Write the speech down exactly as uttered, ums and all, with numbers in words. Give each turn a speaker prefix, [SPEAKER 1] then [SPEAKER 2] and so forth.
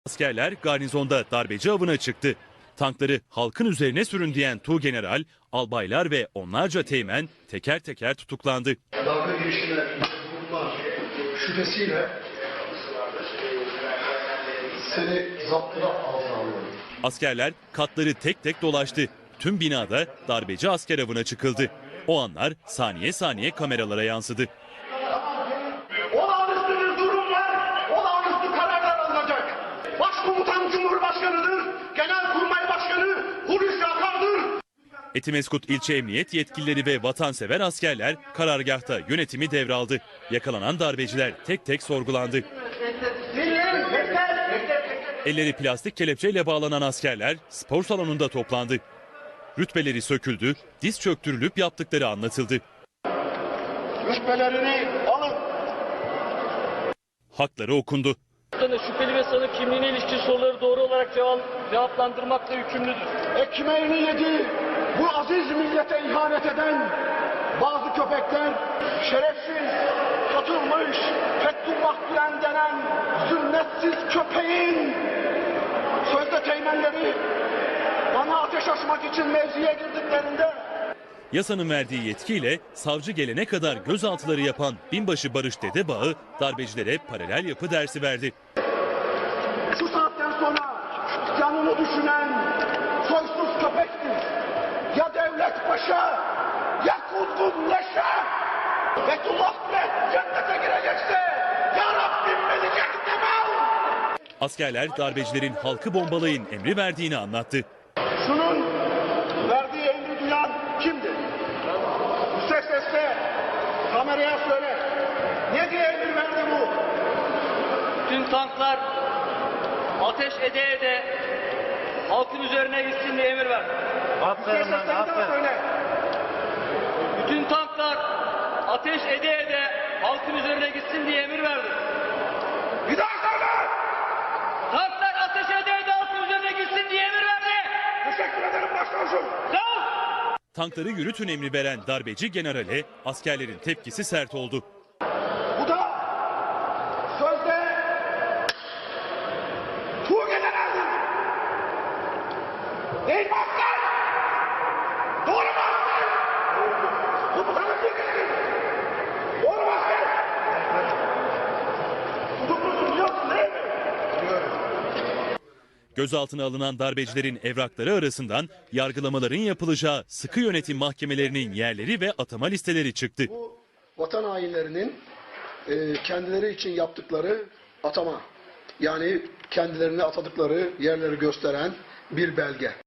[SPEAKER 1] Askerler garnizonda darbeci avına çıktı. Tankları halkın üzerine sürün diyen Tuğgeneral, albaylar ve onlarca teğmen teker teker tutuklandı.
[SPEAKER 2] Darbe girişine bulunma şüphesiyle seni zaptına altına alıyorum.
[SPEAKER 1] Askerler katları tek tek dolaştı. Tüm binada darbeci asker avına çıkıldı. O anlar saniye saniye kameralara yansıdı.
[SPEAKER 2] Olağanüstü bir durum var. Olağanüstü kararlar alınacak. Başkomutan Cumhurbaşkanı'dır. Genelkurmay Başkanı Hulusi Akar'dır.
[SPEAKER 1] Etimeskut ilçe emniyet yetkilileri ve vatansever askerler karargahta yönetimi devraldı. Yakalanan darbeciler tek tek sorgulandı. Elleri plastik kelepçeyle bağlanan askerler spor salonunda toplandı. Rütbeleri söküldü, diz çöktürülüp yaptıkları anlatıldı.
[SPEAKER 2] Rütbelerini alın.
[SPEAKER 1] Hakları okundu.
[SPEAKER 3] Şüpheli ve sanık kimliğine ilişkin soruları doğru olarak cevap, cevaplandırmakla yükümlüdür.
[SPEAKER 2] Ekmeğini yedi, bu aziz millete ihanet eden bazı köpekler, şerefsiz, satılmış, Fethullah Gülen denen sünnetsiz köpeğin sözde teğmenleri bana ateş açmak için mevziye girdiklerinde
[SPEAKER 1] Yasanın verdiği yetkiyle savcı gelene kadar gözaltıları yapan binbaşı Barış Dedebağı darbecilere paralel yapı dersi verdi.
[SPEAKER 2] şu saatten sonra canını düşünen soysuz köpektir. Ya devlet başa, ya kuzgun leşe. Fethullah Gülen cennete girecekse ya Rabbim beni cehenneme al.
[SPEAKER 1] Askerler darbecilerin halkı bombalayın emri verdiğini anlattı.
[SPEAKER 2] Şunun verdiği emri duyan kimdir? Yüksek sesle kameraya söyle. Ne diye emir verdi bu?
[SPEAKER 3] Tüm tanklar ateş ede ede halkın üzerine gitsin diye emir verdi.
[SPEAKER 2] Yüksek sesle bir daha söyle.
[SPEAKER 3] Bütün tanklar ateş ede ede halkın üzerine gitsin diye emir verdi.
[SPEAKER 2] Bir daha söyle.
[SPEAKER 3] Tanklar ateş ede ede halkın üzerine gitsin diye emir verdi.
[SPEAKER 2] Teşekkür ederim başkomutanım.
[SPEAKER 3] Sağ ol.
[SPEAKER 1] Tankları yürütün emri veren darbeci generale askerlerin tepkisi sert oldu.
[SPEAKER 2] Bu da sözde Tuğgeneral'dir. Değil mi asker? Doğru mu asker? Bu bu sana Tuğgener'dir. Doğru mu asker? Tutuklusun biliyorsun değil mi?
[SPEAKER 1] Gözaltına alınan darbecilerin evrakları arasından yargılamaların yapılacağı sıkı yönetim mahkemelerinin yerleri ve atama listeleri çıktı.
[SPEAKER 2] Bu vatan hainlerinin e, kendileri için yaptıkları atama, yani kendilerini atadıkları yerleri gösteren bir belge.